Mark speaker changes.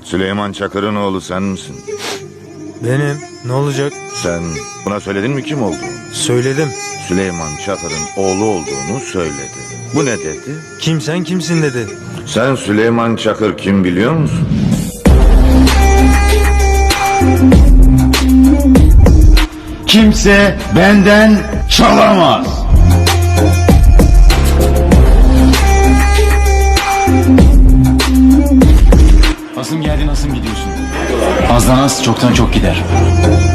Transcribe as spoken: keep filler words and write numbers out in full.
Speaker 1: Süleyman Çakır'ın oğlu sen misin?
Speaker 2: Benim. Ne olacak?
Speaker 1: Sen buna söyledin mi kim olduğunu?
Speaker 2: Söyledim.
Speaker 1: Süleyman Çakır'ın oğlu olduğunu söyledi. Bu ne dedi?
Speaker 2: Kim sen kimsin dedi.
Speaker 1: Sen Süleyman Çakır kim biliyor musun?
Speaker 3: Kimse benden çalamaz.
Speaker 4: Asım geldi, nasıl gidiyorsun? Azdan az, çoktan çok gider.